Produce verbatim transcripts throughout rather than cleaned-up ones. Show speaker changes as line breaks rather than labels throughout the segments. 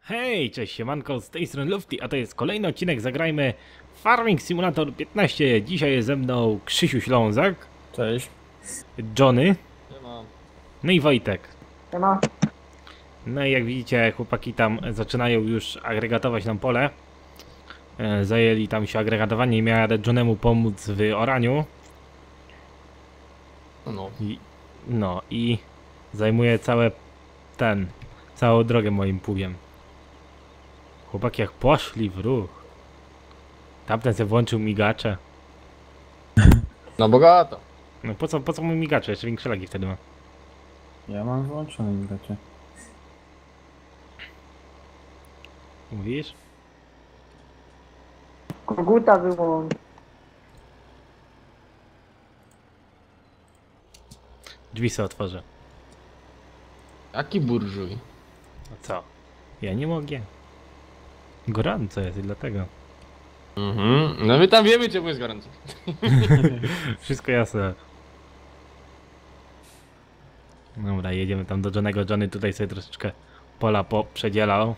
Hej, cześć, siemanko, z tej strony Lufty, a to jest kolejny odcinek Zagrajmy Farming Simulator piętnaście. Dzisiaj jest ze mną Krzysiu Ślązak.
Cześć.
Johnny.
Siema.
No i Wojtek.
Siema.
No i jak widzicie, chłopaki tam zaczynają już agregatować nam pole. E, Zajęli tam się agregatowanie i miałem Johnemu pomóc w oraniu.
No.
I, no i zajmuje całe ten, całą drogę moim pługiem. Chłopaki jak poszli w ruch. Tamten se włączył migacze.
Na bogato.
No po co, po co mu migacze? Jeszcze większe lagi wtedy ma.
Ja mam wyłączone migacie.
Mówisz?
Koguta wyłącz.
Drzwi sobie otworzę.
Jaki burżuj?
A co? Ja nie mogę. Gorąco jest i dlatego.
Mhm. No my tam wiemy, czemu jest gorąco.
Wszystko jasne. Dobra, jedziemy tam do Johnnego. Johnny tutaj sobie troszeczkę pola poprzedzielał.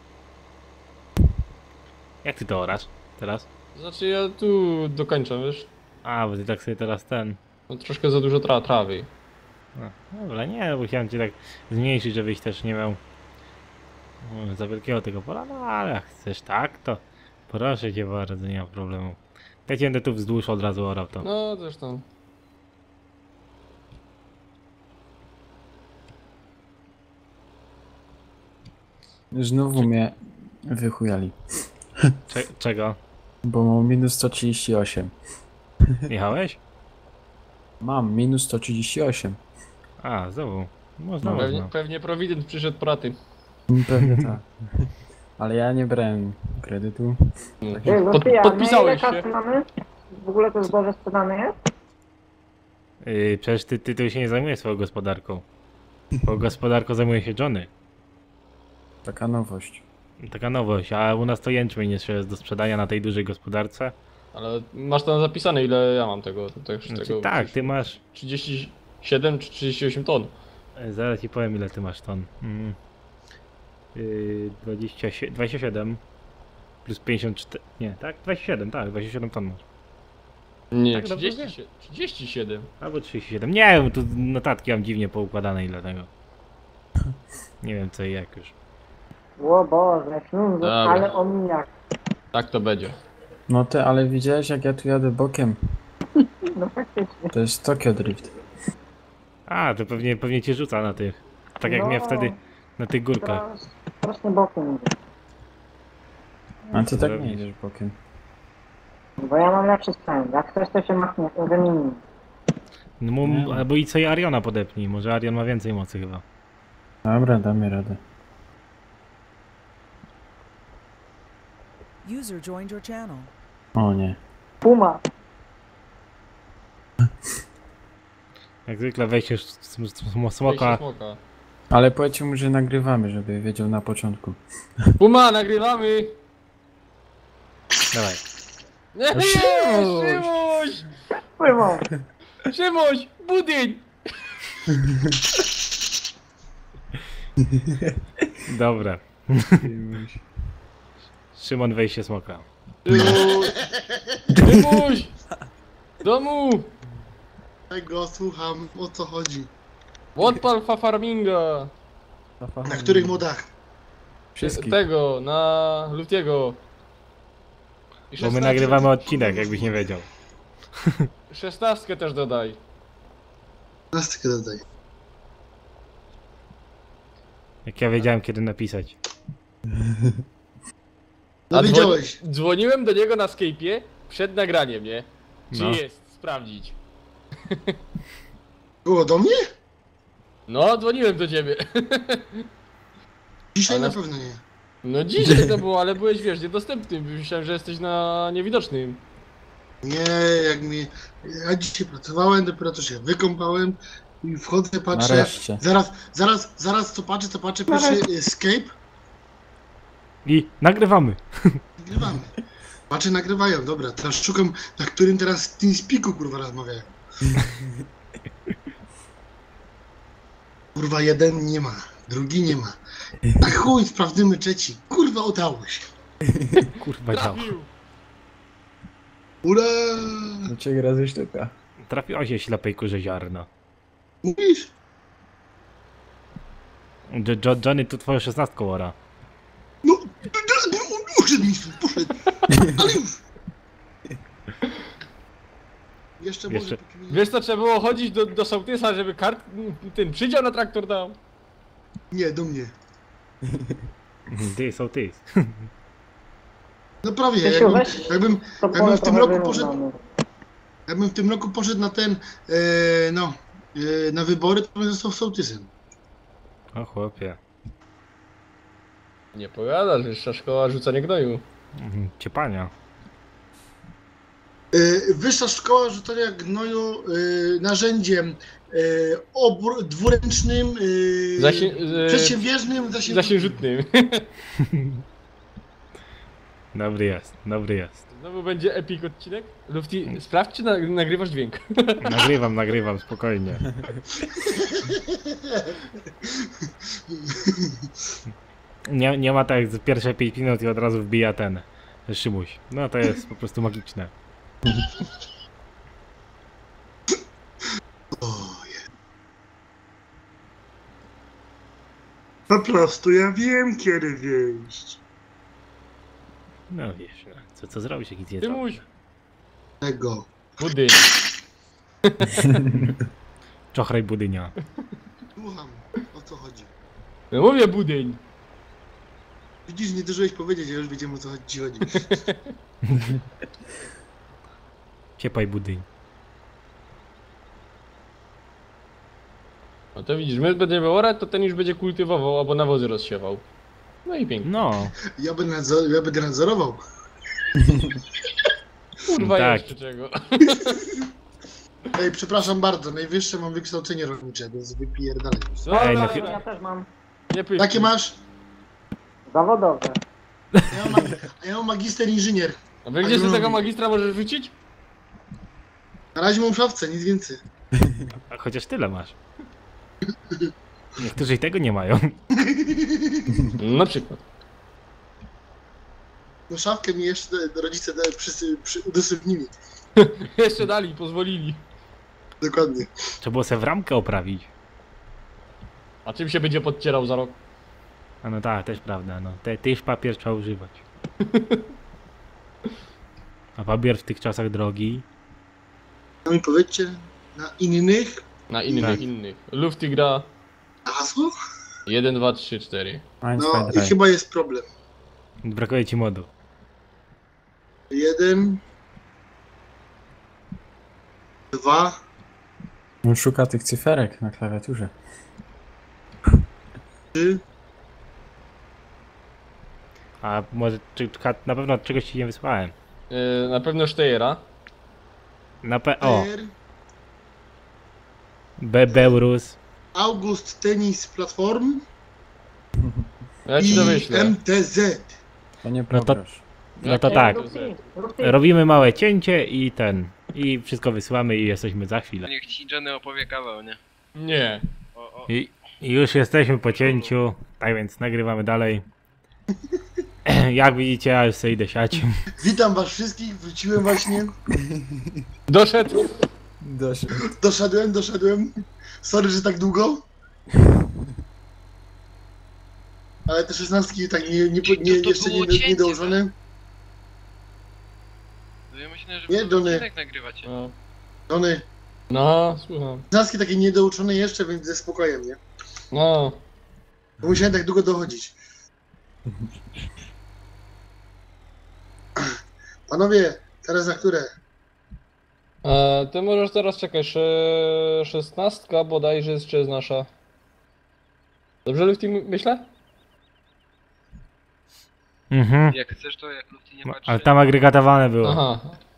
Jak ty to orasz teraz?
Znaczy ja tu dokończę, wiesz?
A, bo ty tak sobie teraz ten...
No troszkę za dużo tra trawy.
A, dobra, nie, bo chciałem cię tak zmniejszyć, żebyś też nie miał no, za wielkiego tego pola, no ale jak chcesz tak, to proszę cię bardzo, nie ma problemu. Ja cię będę tu wzdłuż od razu orał to.
No zresztą.
Znowu mnie wychujali,
Cze czego?
bo mam minus sto trzydzieści osiem.
Jechałeś?
Mam minus sto trzydzieści osiem.
A, znowu. Można,
No,
Pewnie,
można.
pewnie prowident przyszedł praty.
Pewnie tak. Ale ja nie brałem kredytu.
Ej,
Pod,
Zofia,
podpisałeś
na ile
się.
kasy mamy? W ogóle to zboże sprzedane jest?
Yy, przecież ty, ty, ty się nie zajmujesz swoją gospodarką. Bo gospodarką zajmuje się Johnny.
Taka nowość.
Taka nowość, a u nas to jęczmień jeszcze jest do sprzedania na tej dużej gospodarce.
Ale masz tam zapisane, ile ja mam tego. tego,
Znaczy,
tego
tak, ty masz...
trzydzieści siedem czy trzydzieści osiem ton.
Yy, zaraz ci powiem ile ty masz ton. Mm. Yy, dwadzieścia siedem, dwadzieścia siedem plus pięćdziesiąt cztery... Nie, tak? dwadzieścia siedem, tak, dwadzieścia siedem ton masz.
Nie,
Tak, dobrze
trzydzieści siedem. trzydzieści siedem.
Albo trzydzieści siedem. Nie wiem, tu notatki mam dziwnie poukładane i dlatego. Nie wiem co i jak już.
O Boże, ślązak,
Dobra.
ale omijak.
Tak to będzie.
No ty, ale widziałeś jak ja tu jadę bokiem?
No faktycznie.
To jest Tokyo Drift.
A, to pewnie, pewnie cię rzuca na tych. Tak jak
No.
mnie wtedy na tych górkach.
Teraz strasznie bokiem idzie.
A ty tak
Zrobisz.
nie jedziesz bokiem.
Bo ja mam lepszy sprzęt. Jak ktoś to się machnie, wymieni.
No, mu, albo i co i Ariona podepnij. Może Arion ma więcej mocy chyba.
Dobra, damy radę.
User joined your channel.
O nie.
Puma.
Jak zwykle wejściesz sm sm
Wejście
smoka.
smoka.
Ale powiedzcie mu, że nagrywamy, żeby wiedział na początku.
Puma, nagrywamy!
Dawaj.
Nie,
No
nie,
Szymuś!
Szymuś!
Pływą.
Szymuś! Budyń!
Dobra. Szymon wejście smoka.
Szymuś! Szymuś! Domu!
Tego słucham, o co chodzi.
Odpal fa farminga!
Na których modach?
Wszystkich.
Tego, na Lutiego. I
Bo my
szesnastkę-
nagrywamy odcinek, jakbyś nie wiedział.
Szesnastkę też dodaj.
Plastykę dodaj.
Jak ja wiedziałem kiedy napisać.
No
A
widziałeś.
dzwoni- Dzwoniłem do niego na Skype'ie przed nagraniem, nie? Czy
No.
jest? Sprawdzić.
Było do mnie?
No, dzwoniłem do ciebie.
Dzisiaj
Ale-
na pewno nie.
No dzisiaj to było, ale byłeś, wiesz, niedostępny. Myślałem, że jesteś na niewidocznym.
Nie, jak mi... Ja dzisiaj pracowałem, dopiero co się wykąpałem i wchodzę, patrzę.
Nareszcie.
Zaraz, zaraz, zaraz co patrzę, co patrzę, pierwszy escape.
I nagrywamy.
Nagrywamy. Patrzę, nagrywają, dobra, teraz szukam, na którym teraz w TeamSpeaku kurwa rozmawiają. Kurwa, jeden nie ma. drugi nie ma. A chuj, sprawdzimy trzeci. Kurwa, udało się.
Kurwa dział.
Trafił.
Ura!
Do trzech razy sztuka.
Trafiło się ślepej kurze ziarno.
Mówisz?
Jo- Jo- Johnny tu twoją szesnastką ora.
No, poszedł mi stąd, poszedł. Ale już. Jeszcze może...
Jeszcze-
póki mnie-
Wiesz co, trzeba było chodzić do, do sołtysa, żeby kart, ten przydział na traktor dał.
Nie, do mnie.
Ty są ty.
No prawie,
Krzysiu,
jakbym,
weź
jakbym,
To
jakbym
pole
w tym
trochę
roku poszedł,
wyrównamy.
jakbym w tym roku poszedł na ten, e, no, e, na wybory, to bym został sołtysem.
O chłopie.
Nie powiadasz, wyższa szkoła rzucania gnoju.
Mhm, Ciepania.
E, Wyższa szkoła rzucania gnoju e, narzędziem e, obr- dwuręcznym, e,
Zasie, e,
przedsiębieżnym, zasięg...
zasiężutnym.
Dobry jest, dobry jest.
Znowu będzie epic odcinek. Lufty, sprawdź czy na, nagrywasz dźwięk.
Nagrywam, nagrywam, spokojnie. Nie, nie ma tak jak z pierwsze pięć minut i od razu wbija ten Szymuś. No to jest po prostu magiczne.
Po prostu ja wiem, kiedy wieść.
No wiesz, no, co, co zrobić, jak nic nie
Ty
zrobić?
muś.
Tego.
Budyń.
Czochraj budynia.
Słucham, o co chodzi.
No mówię budyń.
Widzisz, nie zdążyłeś powiedzieć, ja już wiedziałem, o co ci chodzi.
Ciepaj budyń.
No to widzisz, my będziemy orać, to ten już będzie kultywował albo nawozy rozsiewał. No i pięknie.
No,
Ja będę, nadzor- ja będę nadzorował.
Kurwa
tak.
jeszcze czego.
Ej, przepraszam bardzo, najwyższe mam wykształcenie rolnicze, więc wypierdalaj.
No,
Ej,
no,
no
no,
chwilę.
Ja też mam
nie pysznie.
Jakie masz?
zawodowe.
Ja mam, ja mam magister inżynier.
A wy gdzie z tego magistra możesz rzucić?
Na razie mam w szafce, nic więcej.
a chociaż tyle masz. Niektórzy i tego nie mają.
Na przykład.
No szafkę mi jeszcze rodzice da- przysy- przy, udostępnili.
Jeszcze dali, pozwolili.
Dokładnie.
Trzeba było sobie w ramkę oprawić.
A czym się będzie podcierał za rok?
A no tak, też prawda, no. Te, tyż papier trzeba używać. A papier w tych czasach drogi.
No mi powiedzcie, na innych
Na innych,
Tak.
innych. Lufty gra
na hasło?
jeden, dwa, trzy, cztery.
Eins,
No
zwei,
i
drei.
chyba jest problem.
Brakuje ci modu.
Jeden. Dwa.
On szuka tych cyferek na klawiaturze.
Trzy.
A może czy, czy, na pewno czegoś ci nie wysłałem.
Yy, na pewno Steyera.
Na pe... O!
R.
Bebeurus.
August Tennis Platform.
Ja ci to
I
wyślę.
M T Z.
To nie
No to-
pograsz.
No to
Jakie
tak.
Lufty?
Lufty,
Robimy małe cięcie i ten. I wszystko wysyłamy i jesteśmy za chwilę.
Niech ci Johnny opowie kawał, nie?
Nie.
O, o.
I, i już jesteśmy po cięciu. Tak więc nagrywamy dalej. Jak widzicie, ja już sobie idę siać.
Witam was wszystkich, wróciłem właśnie.
Doszedł.
Doszedł.
Doszedłem, doszedłem. Sorry, że tak długo. Ale te szesnastki tak nie, nie,
To-
nie,
to
jeszcze
było
nie, nie
cięcie,
dołożone.
Ja myślę, że
Nie,
wy
Johnny.
odcinek nagrywacie.
No.
One,
No, słucham.
szesnastki takie niedouczone jeszcze, więc ze spokojem, nie?
No.
Bo musiałem tak długo dochodzić. Panowie, teraz na które?
E, ty możesz teraz czekać. sze- Szesnastka bodajże jest, czy jest nasza. Dobrze Lufty my- myślę?
Mhm.
Jak chcesz, to jak Lufty nie patrzy.
Ale tam agregatowane było.
Aha.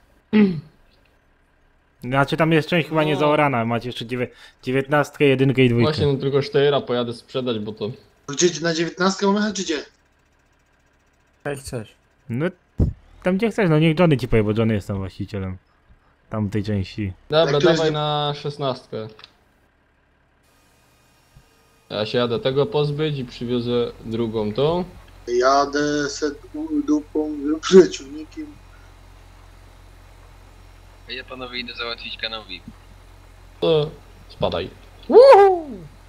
Znaczy tam jest część chyba nie
No.
zaorana. Macie jeszcze dziewię- dziewiętnastkę, jedynkę i dwójkę.
Właśnie no, tylko Steyera pojadę sprzedać, bo to...
Gdzie na dziewiętnastkę mamy jechać, czy gdzie?
Jak chcesz.
No tam gdzie chcesz, no niech Johnny ci powie, bo Johnny jest tam właścicielem. Tam tej części.
Dobra,
Jak to jest
dawaj
nie-
na szesnastkę. Ja się jadę tego pozbyć i przywiozę drugą tą.
Jadę set dupą, przeciwnikiem.
A ja panowie idę załatwić kanowi.
To spadaj. Woohoo!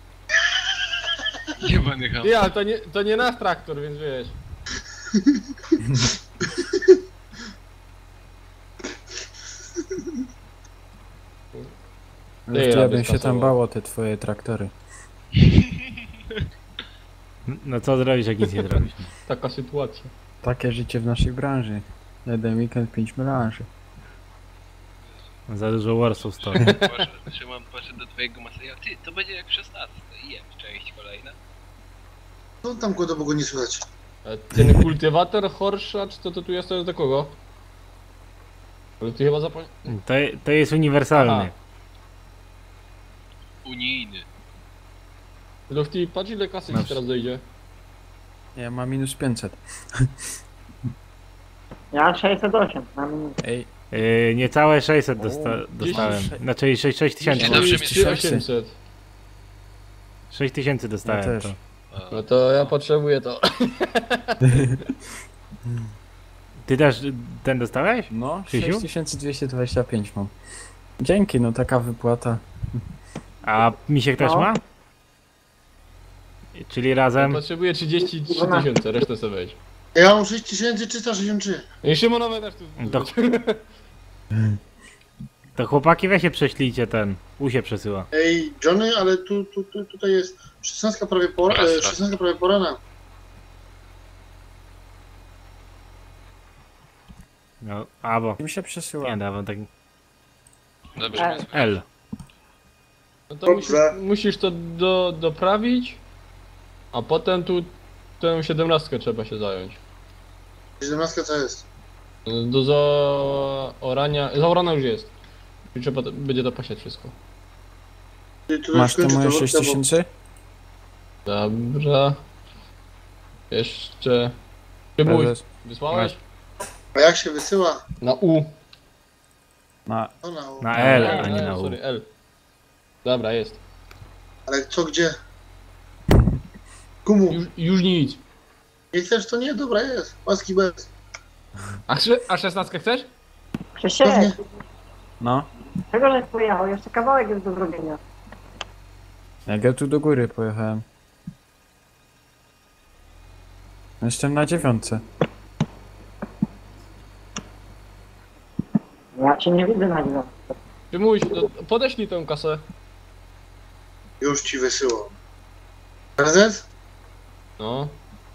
Jebany ham.
Ty, ale to nie, to nie nasz traktor, więc wiesz.
Ale
Ty,
ja
ja
bym
bym
się tam
skasował.
bał o te twoje traktory.
No co zrobisz, jak nic nie zrobisz?
Taka sytuacja.
Takie życie w naszej branży. Jeden weekend, pięć melanży.
Za dużo Warsów stoi.
Patrzę, Szymon, patrzę do twojego Maseja. Ty, to będzie jak w szesnastce. I jem, część kolejna.
Co tam go bo go nie słychać?
A ten kultywator Horsza, czy to, to tu jest to do kogo? Ale ty chyba zapomniałeś.
To, to jest uniwersalny.
Aha.
Unijny.
Lufty, patrz ile kasy
No
ci teraz dojdzie.
Ja mam minus pięćset.
Ja sześćset osiem na minutę.
Ej,
Yy, niecałe sześćset dosta
O,
dostałem.
dziesięć.
Znaczy sześć tysięcy.
Nie, dobrze
trzydzieści
mnie
osiemset.
sześć tysięcy dostałem.
Ja też.
To.
A,
No to ja potrzebuję to.
Ty też ten dostałeś?
no,
Krzysiu?
sześć tysięcy dwieście dwadzieścia pięć mam. Dzięki, no taka wypłata.
A Misiek też
No.
ma? Czyli razem?
Potrzebuję trzydzieści trzy tysiące, resztę sobie weź.
Ja mam sześć tysięcy trzysta sześćdziesiąt trzy.
I Szymonowe też tu.
To, to chłopaki weź się prześlijcie ten. U się przesyła.
Ej, Johnny, ale tu, tu, tu tutaj jest szesnastka prawie pora,
Raz,
e,
raz.
szesnastka prawie porana.
No, albo.
Im się przesyła.
Nie, dawam tak.
Dobrze
E,
mnie słychać.
L.
No to musisz,
Dobrze.
musisz to do, doprawić, a potem tu tę siedemnastkę trzeba się zająć.
siedemnastka co jest?
Do zaorania. Zaorana już jest. I trzeba to, będzie dopasiać wszystko.
Ty, tu
Masz te
skończę
moje
to,
sześć
bo-
tysięcy?
Dobra. Jeszcze. Przymuś,
Prezes?
wysłałeś?
A jak się wysyła?
Na U.
Na...
To na,
Na L,
A,
a nie na U.
Sorry, L. Dobra, jest.
Ale co gdzie? Kumu,
Już, już nic.
nie chcesz to nie? Dobra jest. Łaski bez.
A, sze- a szesnastkę chcesz?
Krzysiek,
Pewnie.
No.
czego żeś pojechał? Jeszcze kawałek jest do zrobienia.
Jak ja tu do góry pojechałem. Jestem na dziewiątce.
Ja cię nie widzę na dziewiątce.
Przymuś, no, podeślij tę kasę.
Już ci wysyłam. Prezes?
No.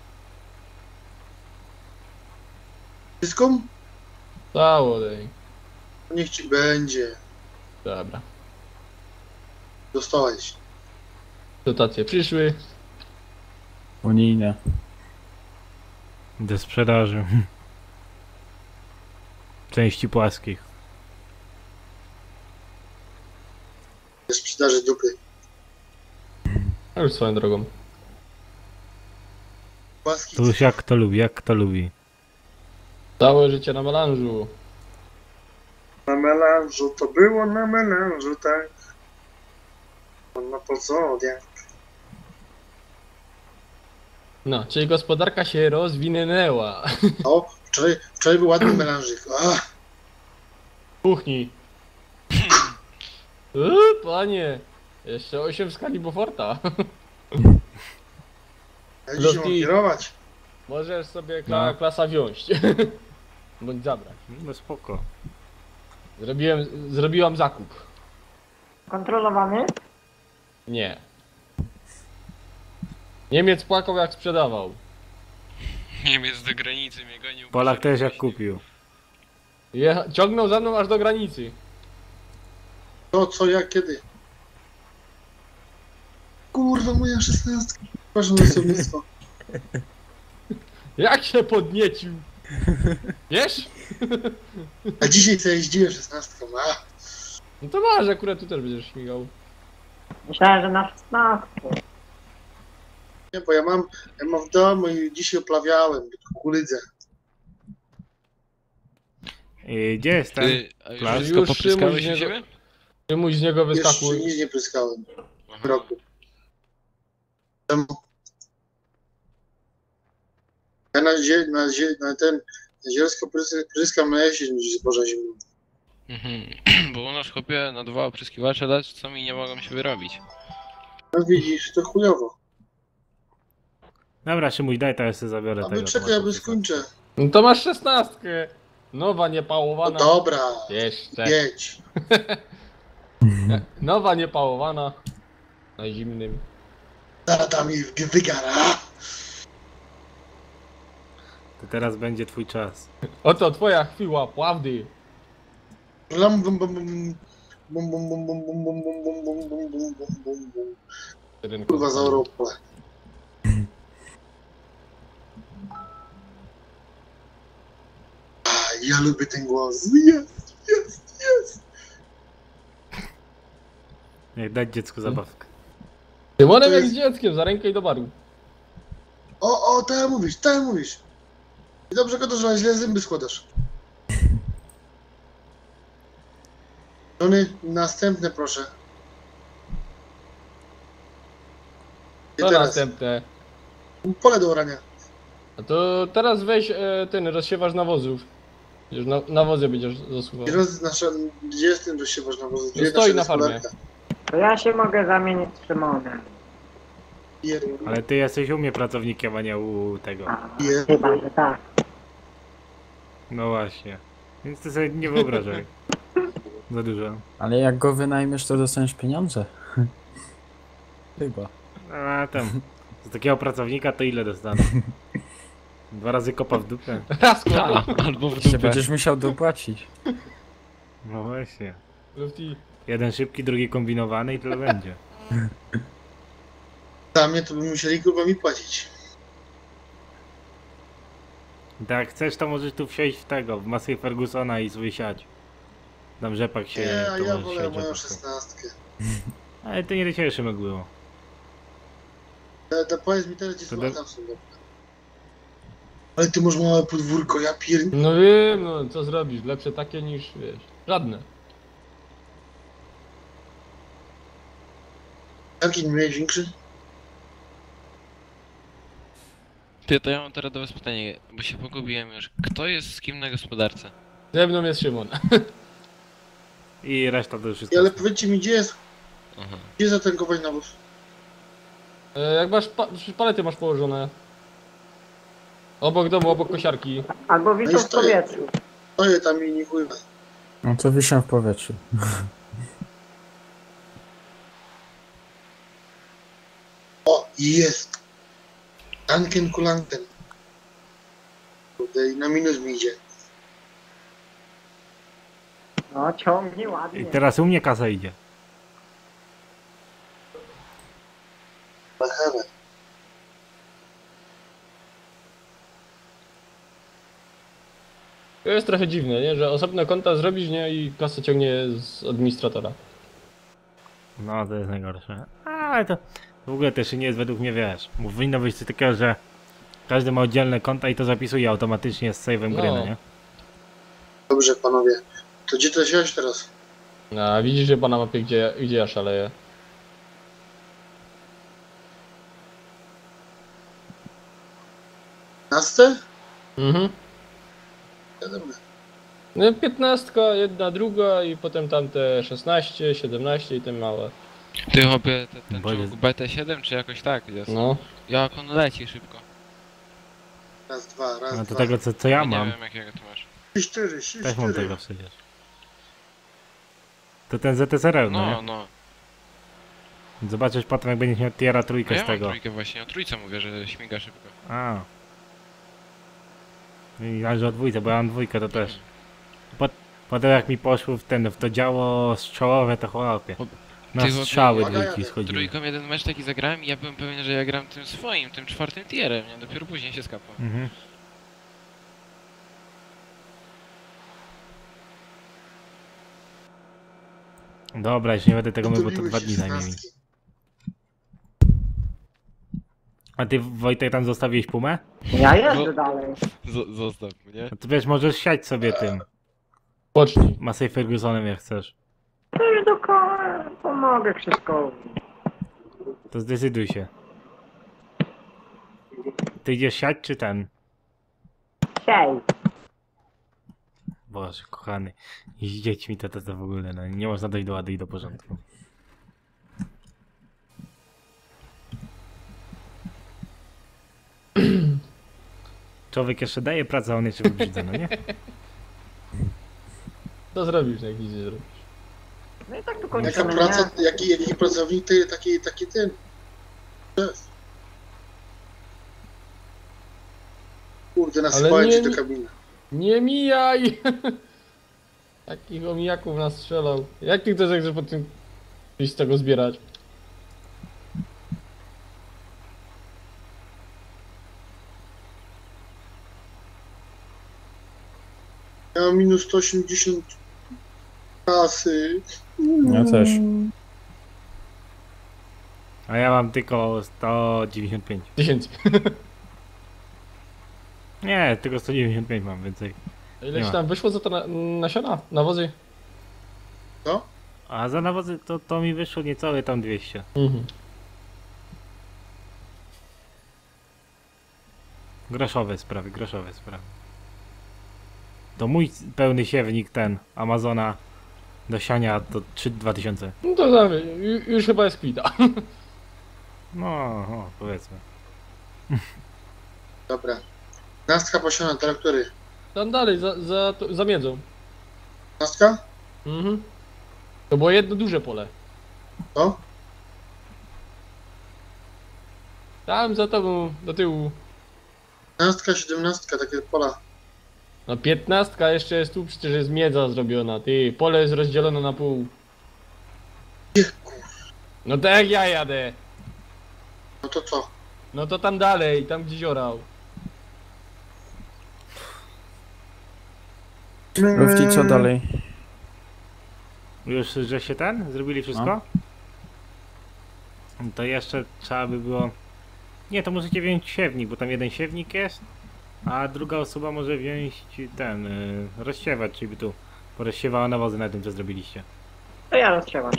Wszystko?
Cało dej.
Niech ci będzie.
Dobra.
Dostałeś.
Dotacje przyszły.
Unijne.
Do sprzedaży. Części płaskich.
Ze sprzedaży dupy.
A już swoją drogą.
Łaski.
To już jak kto lubi, jak kto lubi.
Całe życie na melanżu.
Na melanżu, to było na melanżu, tak. On ma pozodia.
No, czyli gospodarka się rozwinęła.
O, wczoraj, wczoraj był ładny melanżyk. A,
Kuchni. Uuu, panie. Jeszcze osiem w skali Beauforta.
ja dzisiaj mam
Lotki.
kierować.
Możesz sobie kla
No.
klasa wziąć. Bądź zabrać.
No spoko.
Zrobiłem, zrobiłam zakup.
Kontrolowany?
Nie. Niemiec płakał jak sprzedawał.
Niemiec do granicy mnie gonił.
Polak też jak kupił.
Jecha ciągnął za mną aż do granicy.
To, co, jak, kiedy. Kurwa, moja szesnastka. Proszę na słownictwo.
Jak się podniecił. Wiesz?
A dzisiaj co jeździłem szesnastką. A,
No to masz, akurat tu też będziesz śmigał.
Myślałem, że na szesnastkę.
nie, bo ja mam, ja mam w domu i dzisiaj oplawiałem kukurydzę.
I gdzie jest ten?
Ty, a już
Plac?
wszystko
Już
popryskałeś
Szymuś
u
nie-
siebie?
Ty mój z niego
Jeszcze
wyskakuj.
nic nie pryskałem w
Aha.
roku. Czemu? Ja na, zie, na, zie, na ten na zielsko prys- pryskam na jesień niż zboża zimną.
Mhm. Bo u nas chłopie na dwa opryskiwacze dać, co mi nie mogą się wyrobić.
No widzisz, to chujowo.
Dobra, Szymuś, daj, to ja sobie zabiorę
Aby
tego.
czekaj, aby skończę.
No to masz szesnastkę. Nowa,
No
niepałowana.
dobra,
Jeszcze.
jedź.
Nowa, niepałowana. Na zimnym.
Zaraz mi wygara.
To teraz będzie twój czas.
Oto twoja chwila prawdy.
Lam bum bum bum bum bum bum bum bum bum bum bum bum bum bum bum bum bum. Kurwa za Europę. A, ja lubię ten głos. Jest, jest, jest.
Jak dać dziecku zabawkę.
Tymonem
To
jak
jest-
z dzieckiem, za rękę i do baru.
O, o, tak mówisz, tak mówisz. I dobrze go to, że źle zęby składasz. Żony, następne proszę. I
Co
teraz,
następne?
pole do orania.
A to teraz weź e, ten, rozsiewasz nawozów. Już na, nawozy będziesz zasuwał.
I roz, nasza, gdzie jest ten rozsiewasz na wozu? Gdzie
No stoi
nasza
na farmie.
gospodarka?
To ja się mogę zamienić z Szymonem.
Je,
Ale ty jesteś u mnie pracownikiem, a nie u tego.
A,
je.
chyba, że tak.
No właśnie. Więc ty sobie nie wyobrażaj. Za dużo.
Ale jak go wynajmiesz, to dostaniesz pieniądze. Chyba.
A tam. Z takiego pracownika to ile dostanę? Dwa razy kopa w dupę.
Raz kurwa.
Albo w
Jeszcze
dupę.
będziesz musiał dopłacić.
No właśnie.
Lufty.
Jeden szybki, drugi kombinowany i tyle będzie.
Dla mnie to by musieli kurwa mi płacić.
Tak, jak chcesz, to możesz tu wsiąść w tego, w masę Fergusona i sobie siać. Tam rzepak się...
Nie, a
to
ja
możesz
wolę
siać
moją
rzepaku.
szesnastkę.
Ale to nie do ciebie, Szymek, było.
To, to powiedz mi teraz, gdzie
To
są,
do-
a tam są dobre. Ale ty masz małe podwórko, ja pier...
No wiem, no co zrobisz? Lepsze takie niż, wiesz, żadne.
Jaki nie miałeś większy?
Ty, to ja mam teraz do was pytanie, bo się pogubiłem już. Kto jest z kim na gospodarce?
Ze mną jest Szymon.
I reszta to już jest...
I, ale powiedzcie mi, gdzie jest,
Aha.
gdzie zatankować nawóz?
E, jak masz, pa palety masz położone. Obok domu, obok kosiarki.
Albo wiszą w
stoję.
powietrzu.
Stoję tam i nie chuj.
No to wiszę w powietrzu.
O, jest! Tanken kulanten. Kurde, i na minus mi idzie.
No, ciągnie ładnie.
I teraz u mnie kasa idzie.
Machane.
To jest trochę dziwne, nie? Że osobne konta zrobisz, nie? I kasę ciągnie z administratora.
No, to jest najgorsze. Ale to w ogóle też nie jest według mnie, wiesz, bo powinno być coś takiego, że każdy ma oddzielne konta i to zapisuje automatycznie z save'em gry,
No.
no nie?
Dobrze, panowie. To gdzie to siąść teraz?
No, a widzisz, że pana mapie, gdzie, gdzie ja szaleję.
Nastę?
Mhm.
Wiadomo.
No, piętnastka, jedna, druga i potem tamte szesnaście, siedemnaście i te małe.
Ty chłopie, te- ten
Bo jest-
czołg B T siedem czy jakoś tak jest?
No.
Jak on leci szybko.
Raz, dwa, raz,
No to
dwa.
tego co, co ja
nie
mam,
wiem jakiego ty masz.
Trzy, cztery, trzy,
też mam
cztery.
tego przecież. To ten Z S R L, no,
No,
nie?
no.
Zobaczysz potem, jak będziesz miał tiera
No
trójkę
ja
z
mam
tego.
trójkę właśnie, o trójce mówię, że śmiga szybko.
A. I aż o dwójce, bo ja mam dwójkę, to też. Pot, potem jak mi poszło w ten, w to działo strzałowe, to chłopie. Na
Ty, chłopie,
strzały
uwaga,
dwójki
jadę.
schodziły.
Trójką jeden mecz taki zagrałem i ja byłem pewien, że ja gram tym swoim, tym czwartym tierem, nie? Dopiero później się skapał.
Mhm. Dobra, już nie będę tego mył, bo to
Utuliły
dwa
się
dni zajmie mi.
szesnastki.
A ty, Wojtek, tam zostawiłeś pumę?
Ja jeżdżę dalej.
Z zostaw mnie.
No to wiesz, możesz siać sobie tym
Pocznij.
Massey Fergusonem, jak chcesz.
To już do koła pomogę Krzyszkowi.
To zdecyduj się. ty idziesz siać czy ten?
Siej.
Boże, kochany. I z dziećmi to, to, to w ogóle, no nie można dojść do ładu i do porządku. Człowiek jeszcze daje pracę, a on jeszcze wybrzydza, no nie?
Co zrobisz, jak nic nie zrobisz?
No i tak tu
Jaka
kończymy,
praca,
nie?
jaki, jaki pracownik, ty, taki, taki ten. Szef. Kurde, nasypałem
nie
ci do
mi-
kabiny.
Nie mijaj! Takich omijaków nas strzelał. Jak ty chcesz, jak chcesz po tym iść z tego zbierać?
Ja mam minus sto osiemdziesiąt kasy.
Ja też.
A ja mam tylko sto dziewięćdziesiąt pięć.
Tysięcy.
Nie, tylko sto dziewięćdziesiąt pięć mam więcej.
A ile
Nie
ci
ma.
tam wyszło za to na, nasiona? Nawozy?
Co?
A za nawozy to, to mi wyszło niecałe tam dwieście.
Mhm.
Groszowe sprawy, groszowe sprawy. To mój pełny siewnik ten, Amazona do siania to trzy dwa tysiące.
No to za, ju- już chyba jest kwita.
No, o, powiedzmy.
Dobra. Nastka posiona, traktory.
Tam dalej, za, za, to- za miedzą.
Nastka?
Mhm. To było jedno duże pole.
Co?
Tam za tobą, do tyłu.
Nastka, siedemnastka, takie pola.
No piętnastka jeszcze jest tu, przecież jest miedza zrobiona. Ty, pole jest rozdzielone na pół. No tak jak ja jadę.
No to co?
No to tam dalej, tam gdzieś orał.
Lufci, co dalej?
Już, że się ten? Zrobili wszystko? To jeszcze trzeba by było... Nie, to możecie wziąć siewnik, bo tam jeden siewnik jest, a druga osoba może wziąć ten, y, rozsiewać, czyli by tu porozsiewała nawozy na tym, co zrobiliście.
To ja rozsiewam.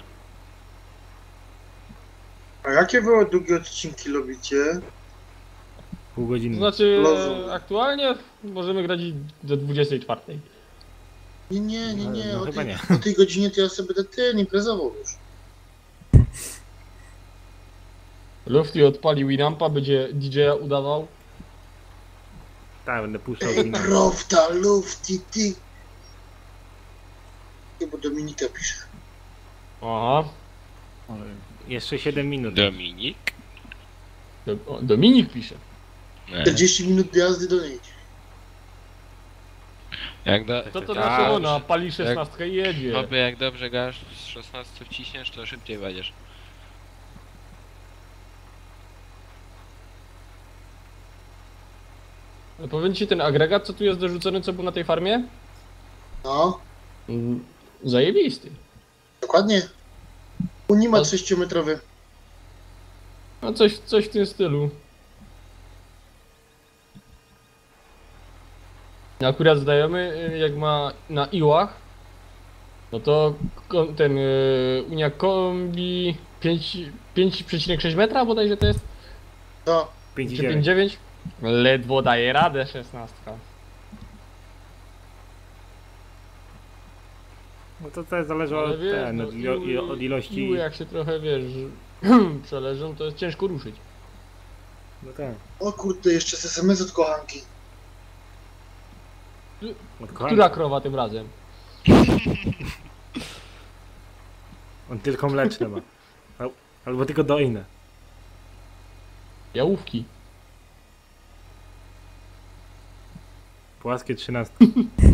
A jakie wy długie odcinki lubicie?
Pół
To
godziny.
znaczy,
Rozumiem.
e, aktualnie możemy grać i do dwudziestej czwartej.
Nie, nie, nie, nie.
No
o,
chyba
tej,
nie.
o tej godzinie to ja sobie będę ten imprezował już.
Lufty odpali Winampa, będzie D J-a udawał.
Tak, będę puszczał do innego.
Rofta, lufty, ty. Bo Dominika pisze.
Aha.
Jeszcze siedem minut.
Dominik?
Do, o, Dominik pisze.
Nie.
czterdzieści minut jazdy do niej.
Jak do...
To to
Tak.
znaczy ona pali szesnastkę i jedzie.
Chłopie, jak dobrze gasz z szesnastu wciśniesz, to szybciej będziesz.
No powiem ci, ten agregat, co tu jest dorzucony, co był na tej farmie?
No,
Mm, zajebisty.
dokładnie. Unimat
No.
sześciometrowy.
No coś, coś w tym stylu. Akurat znajomy, y, jak ma na iłach, no to ko- ten y, Unia Kombi pięć przecinek sześć metra bodajże to jest?
To.
pięć i
Czy pięć
dziewięć.
dziewięć? Ledwo daje radę szesnastka.
No to też zależy
Ale
od,
wiesz,
ten,
no,
od, ilo,
iły-
ilo, od ilości...
Iły jak się trochę, wiesz, przeleżą, to jest ciężko ruszyć.
No tak.
O kurde, jeszcze z S M S od kochanki.
Od
Która
kochania.
krowa tym razem?
On tylko mleczne ma. Al- Albo tylko dojne.
Jałówki.
Płaskie trzynastki.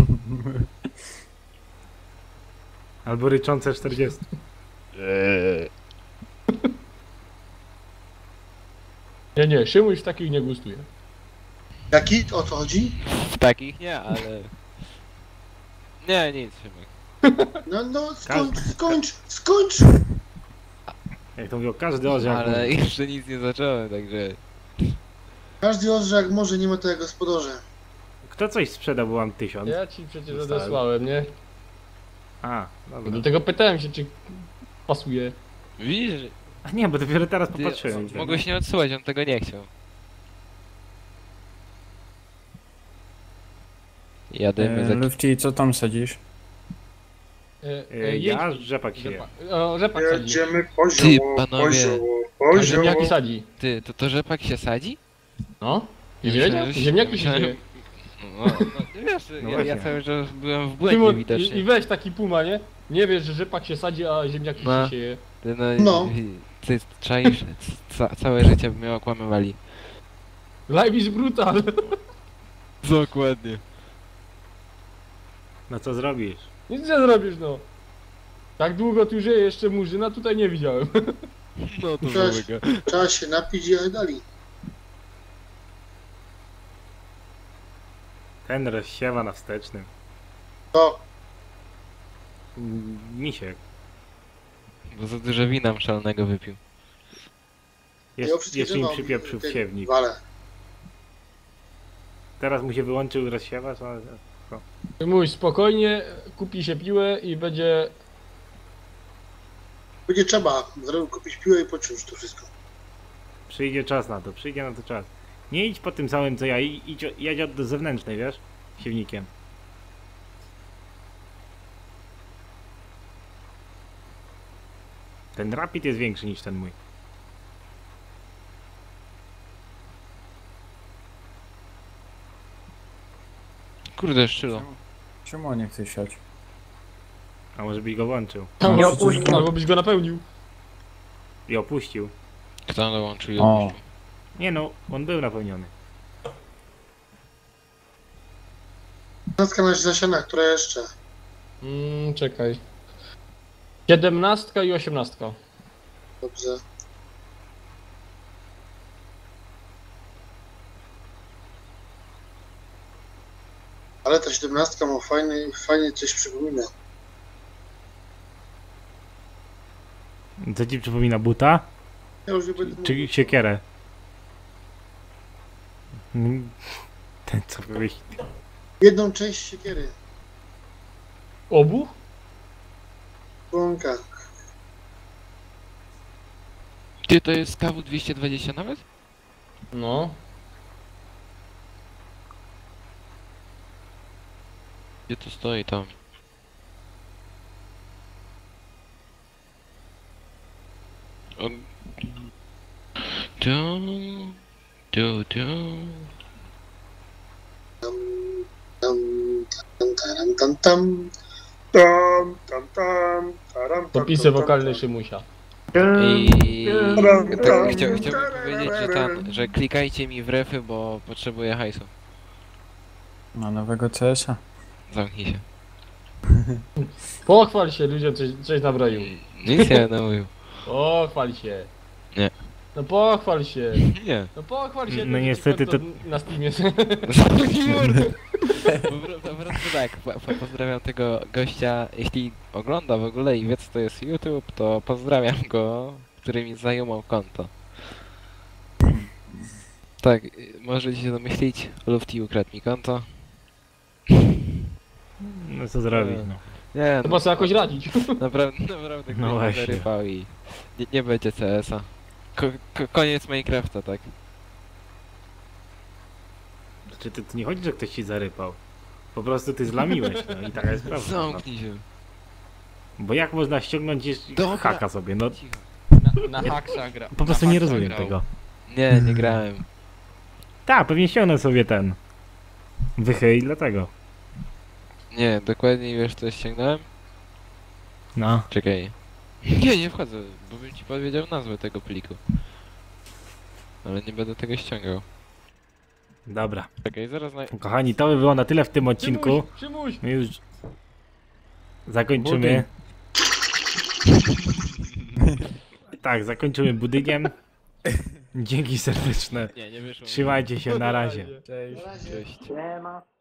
Albo ryczące czterdzieści.
Nie, nie, Szymuś w takich nie gustuje.
Jaki? O co chodzi?
W takich nie, ale... Nie, nic, Szymek.
No, no, skończ, skończ, skończ!
Jak to mówił, każdy orzeł.
Ale jeszcze nic nie zacząłem, także...
Każdy orze jak może, nie ma to jak gospodarze.
Kto coś sprzedał, bo mam tysiąc.
Ja ci przecież
Dostałem.
odesłałem, nie?
A, dobra.
Dlatego pytałem się, czy pasuje.
Widzisz,
A nie, bo dopiero teraz
ty
popatrzyłem.
mogłeś nie odsyłać, on tego nie chciał. Jadymy
E,
za...
Lufci, co tam sadzisz?
E,
E,
e,
ja
jedź-
rzepak się.
Rzepak, o, rzepak sadzi.
Jedziemy
Ty,
poziomo,
panowie.
poziomo,
A
poziomo.
ziemniaki sadzi.
Ty, to to rzepak się sadzi?
No. Nie
Myślałem,
wiedział?
że się-
Ziemniaki się
myślałem-
dzieje.
No, no wiesz,
No
ja, ja
właśnie.
cały czas byłem w błędzie
Szymon,
widocznie.
i, I weź taki puma, nie? Nie wiesz, że rzepak się sadzi, a ziemniaki
No.
się sieje.
Ty, no,
No.
ty czaisz, ca całe życie by mnie okłamywali.
Life is brutal.
Dokładnie.
No co zrobisz?
Nic nie zrobisz, no. Tak długo tu żyje jeszcze murzyna, tutaj nie widziałem.
No to
Cześć.
złego.
Trzeba się napić i dali.
Ten rozsiewa na wstecznym.
To,
Mm, Misiek.
Bo za dużo wina mszalnego wypił.
ja
Jest,
wszystkie
jeszcze mi
drzewa
przypieprzył
ten,
w siewnik.
Walę.
Teraz mu się wyłączył rozsiewacz, a...
Mój, spokojnie, kupi się piłę i będzie...
Będzie trzeba zrobić, kupić piłę i poczuć to wszystko.
Przyjdzie czas na to, przyjdzie na to czas. Nie idź po tym samym co ja, i- idź, o- jedź od zewnętrznej, wiesz? Siewnikiem. Ten rapid jest większy niż ten mój.
Kurde, szczylo.
Czemu nie chcesz siać?
A może byś go włączył
Nie
Albo,
opuścił.
albo byś go napełnił.
i opuścił.
Kto dołączył i
O.
opuścił?
Nie no, on był napełniony.
Natka na zasiana, która jeszcze?
Mm, czekaj. Siedemnastka i osiemnastka.
Dobrze. Ale ta siedemnastka ma fajny, fajnie coś przypomina.
Co ci przypomina buta?
Ja już nie będę
Czy
mówił.
siekierę? Mm, Ten co wyjść.
Jedną część siekiery.
Obu?
Członka.
Ty, to jest K W dwieście dwadzieścia nawet?
No.
Gdzie to stoi tam? On... Tu... Tu, tu...
Tam, tam, tam, tam, tam. Tam, tam, tam, taram, tam,
Popisy
tam, tam,
wokalne
tam.
Szymusia.
I... Tak, chcia, chciałbym powiedzieć, że tam, że klikajcie mi w refy, bo potrzebuję hajsu.
Na nowego C S a?
Zamknij się.
Pochwal się, ludziom coś, coś nabroił.
Nic nie namówił.
Pochwal się.
Nie.
No pochwal się.
Nie.
No pochwal się.
No
to
niestety
to...
to-
Na Steamie.
Zamknij mordę. Po, pro- po prostu tak, po, po, pozdrawiam tego gościa, jeśli ogląda w ogóle i wie co to jest YouTube, to pozdrawiam go, który mi zajumał konto. Tak, y, możecie się domyślić, Lufty ukradł mi konto.
No co zrobić, no.
Nie,
Trzeba sobie jakoś radzić.
naprawdę, naprawdę
No
ktoś mnie
właśnie.
zarypał i nie, nie będzie C S a. Ko, ko, koniec Minecrafta, tak.
Czy ty, to nie chodzi, że ktoś ci zarypał? Po prostu ty zlamiłeś, no i taka jest prawda. No.
Zamknij się.
Bo jak można ściągnąć jeszcze
Dobra.
haka sobie, no
Cicho.
Na, na haksa gra.
po prostu
na
nie
haksa
rozumiem
grał.
tego.
Nie, nie grałem.
Tak, pewnie ściągnę sobie ten wychyj dlatego.
Nie, dokładnie wiesz co ściągnąłem?
No.
Czekaj. Nie, nie wchodzę, bo bym ci powiedział nazwę tego pliku. Ale nie będę tego ściągał.
Dobra.
Czekaj, zaraz na...
Kochani, to by było na tyle w tym odcinku.
Szymuś, Szymuś.
My już zakończymy. Tak, zakończymy budyniem. Dzięki serdeczne.
Nie, nie wyszło.
Trzymajcie się, na razie.
Cześć.
Na razie.
Cześć.
Nie ma.